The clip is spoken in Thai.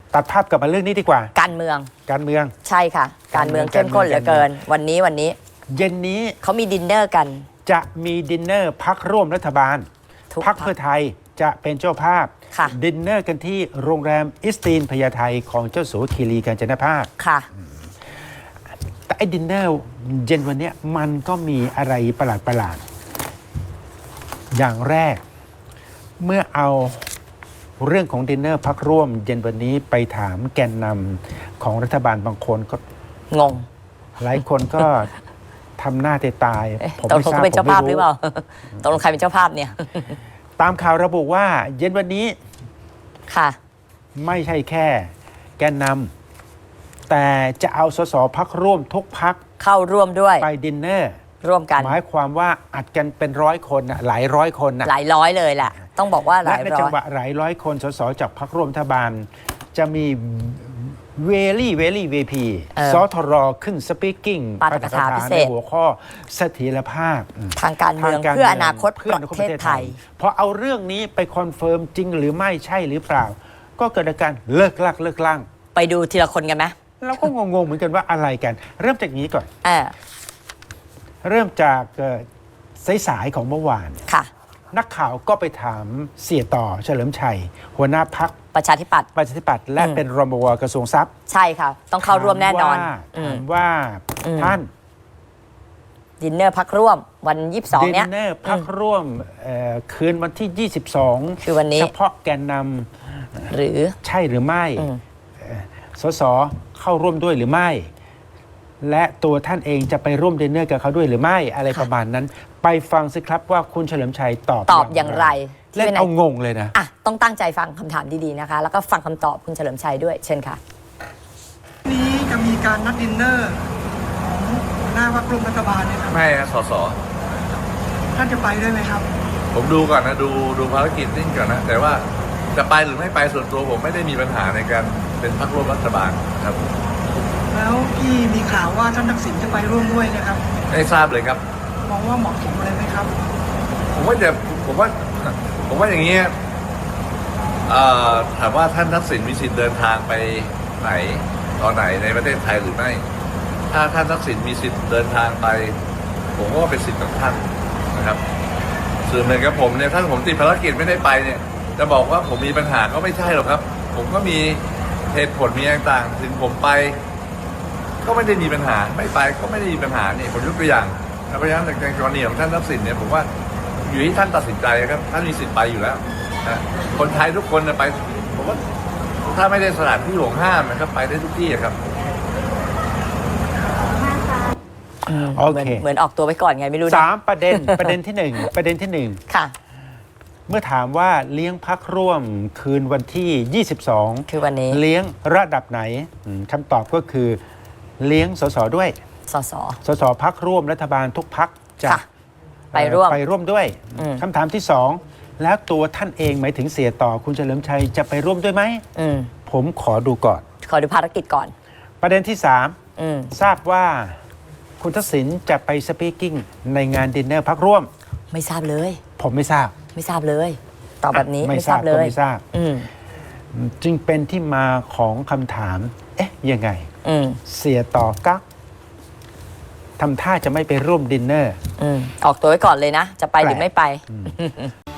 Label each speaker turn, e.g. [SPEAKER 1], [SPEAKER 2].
[SPEAKER 1] ตัดภาพกลับมาเรื่องนี้ดีกว่า
[SPEAKER 2] การเมืองใช่ค่ะการเมืองเข้มข้นเหลือเกินวันนี้
[SPEAKER 1] เย็นนี้
[SPEAKER 2] เขามีดินเนอร์กัน
[SPEAKER 1] จะมีดินเนอร์พรรคร่วมรัฐบาลพรรคเพื่อไทยจะเป็นเจ้าภาพดินเนอร์กันที่โรงแรมอิสตีนพญาไทของเจ้าสัวคีรีกาญจนภาค
[SPEAKER 2] ค่ะ
[SPEAKER 1] แต่ไอ้ดินเนอร์เย็นวันนี้มันก็มีอะไรประหลาดอย่างแรกเมื่อเอาเรื่องของดินเนอร์พักร่วมเย็นวันนี้ไปถามแกนนำของรัฐบาลบางคนก็
[SPEAKER 2] งง
[SPEAKER 1] หลายคนก็ทำหน้าตาย
[SPEAKER 2] ผมไม่ทราบเป็นเจ้าภาพหรือเปล่าตกลงใครเป็นเจ้าภาพเนี่ย
[SPEAKER 1] ตามข่าวระบุว่าเย็นวันนี้
[SPEAKER 2] ค่ะ
[SPEAKER 1] ไม่ใช่แค่แกนนำแต่จะเอาสสพักร่วมทุกพัก
[SPEAKER 2] เข้าร่วมด้วย
[SPEAKER 1] ไปดินเนอร์
[SPEAKER 2] ร่วมกัน
[SPEAKER 1] หมายความว่าอัดกันเป็น100 คนหลายร้อยคน
[SPEAKER 2] หลายร้อยเลยแหละต้องบอกว่าหลายร้อย
[SPEAKER 1] และในจังหวะหลายร้อยคนสสจากพรรคร่วมรัฐบาลจะมีเวลี่VP สทรขึ้นสปีกกิ้ง
[SPEAKER 2] ปาฐกถาพิเศษ
[SPEAKER 1] ในหัวข้อเสถียรภาพ
[SPEAKER 2] ทางการเมืองเพื่ออนาคตประเทศไทย
[SPEAKER 1] พอเอาเรื่องนี้ไปคอนเฟิร์มจริงหรือไม่ใช่หรือเปล่าก็เกิดอาการเลิกลั่ง
[SPEAKER 2] ไปดูทีละคนกันไหม
[SPEAKER 1] เราก็งงเหมือนกันว่าอะไรกันเริ่มจากนี้ก่อนเริ่มจากสายของเมื่อวาน
[SPEAKER 2] ค่ะ
[SPEAKER 1] นักข่าวก็ไปถามเสียต่อเฉลิมชัยหัวหน้าพรรค
[SPEAKER 2] ประชาธิปัตย์
[SPEAKER 1] และเป็นรองผบ.กระทรวงทรัพย์
[SPEAKER 2] ใช่ค่ะต้องเข้าร่วมแน่นอน
[SPEAKER 1] ถามว่าท่าน
[SPEAKER 2] ดินเนอร์พักร่วมวัน22เนี้ย
[SPEAKER 1] ดินเนอร์พักร่วมคืนวันที่22
[SPEAKER 2] คือวันนี้
[SPEAKER 1] เฉพาะแกนนำ
[SPEAKER 2] หรือ
[SPEAKER 1] ใช่หรือไม่สสเข้าร่วมด้วยหรือไม่และตัวท่านเองจะไปร่วมดินเนอร์กับเขาด้วยหรือไม่อะไรประมาณนั้นไปฟังสิครับว่าคุณเฉลิมชัยตอบ
[SPEAKER 2] อย่างไร
[SPEAKER 1] เล่นเอางงเลยนะ
[SPEAKER 2] ต้องตั้งใจฟังคำถามดีๆนะคะแล้วก็ฟังคำตอบคุณเฉลิมชัยด้วยเช่นค่ะ
[SPEAKER 3] นี้จะมีการนัดดินเนอร์ของหน้าพรรคร่วมรัฐบาลเนี่ยครับ
[SPEAKER 4] ไม่นะสส
[SPEAKER 3] ท่านจะไปด้วยไหมครับ
[SPEAKER 4] ผมดูก่อนนะดูภารกิจนิ่งก่อนนะแต่ว่าจะไปหรือไม่ไปส่วนตัวผมไม่ได้มีปัญหาในการเป็นพรรคร่วมรัฐบาลครับ
[SPEAKER 3] แล้วที่มีข่าวว่าท่านทักษิณจะไปร่วมด้วยนะครับ
[SPEAKER 4] ไม่ทราบเลยครับ
[SPEAKER 3] มองว่าเหมาะสมเลยไหมครับ
[SPEAKER 4] ผมว่าอย่างนี้ถามว่าท่านทักษิณมีสิทธิ์เดินทางไปไหนตอนไหนในประเทศไทยหรือไม่ถ้าท่านทักษิณมีสิทธิ์เดินทางไปผมก็เป็นสิทธิ์ของท่านนะครับส่วนหนึ่งกับผมเนี่ยถ้าผมติดภารกิจไม่ได้ไปเนี่ยจะบอกว่าผมมีปัญหาก็ไม่ใช่หรอกครับผมก็มีเหตุผลมีต่างๆถึงผมไปก็ไม่ได้มีปัญหาไม่ไปก็ไม่ได้มีปัญหาเนี่ยผมยกตัวอย่างเพราะฉะนั้นในกรณีของท่านทักษิณเนี่ยผมว่าอยู่ที่ท่านตัดสินใจครับท่านมีสิทธิ์ไปอยู่แล้วนะคนไทยทุกคนไปผมว่าถ้าไม่ได้สถานที่ห่วงห้ามนะครับไปได้ทุกที่ครับ
[SPEAKER 1] โอเค
[SPEAKER 2] เหมือนออกตัวไว้ก่อนไงไม่รู้
[SPEAKER 1] 3ประเด็นที่1
[SPEAKER 2] ค่ะ
[SPEAKER 1] เมื่อถามว่าเลี้ยงพักร่วมคืนวันที่22
[SPEAKER 2] คือวันนี้
[SPEAKER 1] เลี้ยงระดับไหนคำตอบก็คือเลี้ยงสสด้วยสสพักร่วมรัฐบาลทุกพักจะไปร่วมด้วยคำถามที่2แล้วตัวท่านเองหมายถึงเสียต่อคุณเฉลิมชัยจะไปร่วมด้วยไหมผมขอดูก่อน
[SPEAKER 2] ขอดูภารกิจก่อน
[SPEAKER 1] ประเด็นที่3ทราบว่าคุณทักษิณจะไปสปีกกิ้งในงานดินเนอร์พักร่วม
[SPEAKER 2] ไม่ทราบเลย
[SPEAKER 1] ผมไม่ทราบ
[SPEAKER 2] เลยตอบแบบนี้
[SPEAKER 1] ไม่ทราบเลยไม่ทราบจึงเป็นที่มาของคำถามยังไงเสียต่อกั๊กทำท่าจะไม่ไปร่วมดินเนอร์
[SPEAKER 2] ออกตัวไว้ก่อนเลยนะจะไปหรือไม่ไป